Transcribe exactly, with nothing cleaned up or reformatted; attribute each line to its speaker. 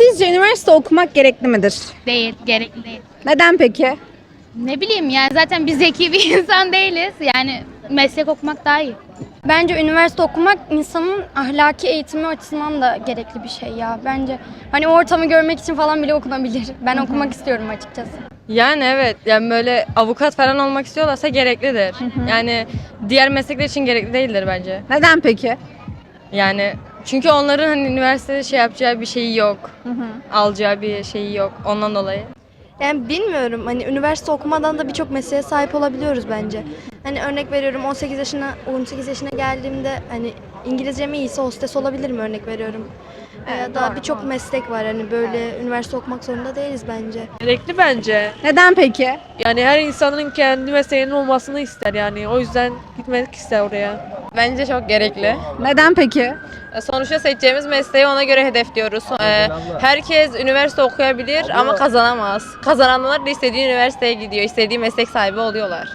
Speaker 1: Sizce üniversite okumak gerekli midir?
Speaker 2: Değil, gerekli değil.
Speaker 1: Neden peki?
Speaker 2: Ne bileyim yani zaten biz zeki bir insan değiliz. Yani meslek okumak daha iyi.
Speaker 3: Bence üniversite okumak insanın ahlaki eğitimi açısından da gerekli bir şey ya. Bence hani o ortamı görmek için falan bile okunabilir. Ben okumak istiyorum açıkçası.
Speaker 4: Yani evet, yani böyle avukat falan olmak istiyorlarsa gereklidir. Yani diğer meslekler için gerekli değildir bence.
Speaker 1: Neden peki?
Speaker 4: Yani çünkü onların hani üniversitede şey yapacağı bir şeyi yok. Alacağı bir şeyi yok ondan dolayı.
Speaker 5: Yani bilmiyorum, hani üniversite okumadan da birçok mesleğe sahip olabiliyoruz bence. Hani örnek veriyorum, on sekiz yaşına on sekiz yaşına geldiğimde hani İngilizcem iyiyse hostes olabilirim, örnek veriyorum. Veya daha birçok meslek var, hani böyle üniversite okumak zorunda değiliz bence.
Speaker 6: Gerekli bence.
Speaker 1: Neden peki?
Speaker 6: Yani her insanın kendi mesleğinin olmasını ister yani. O yüzden gitmek ister oraya.
Speaker 7: Bence çok gerekli.
Speaker 1: Neden peki?
Speaker 7: Sonuçta seçeceğimiz mesleği ona göre hedefliyoruz. Ee, herkes üniversite okuyabilir ama kazanamaz. Kazananlar da istediği üniversiteye gidiyor, istediği meslek sahibi oluyorlar.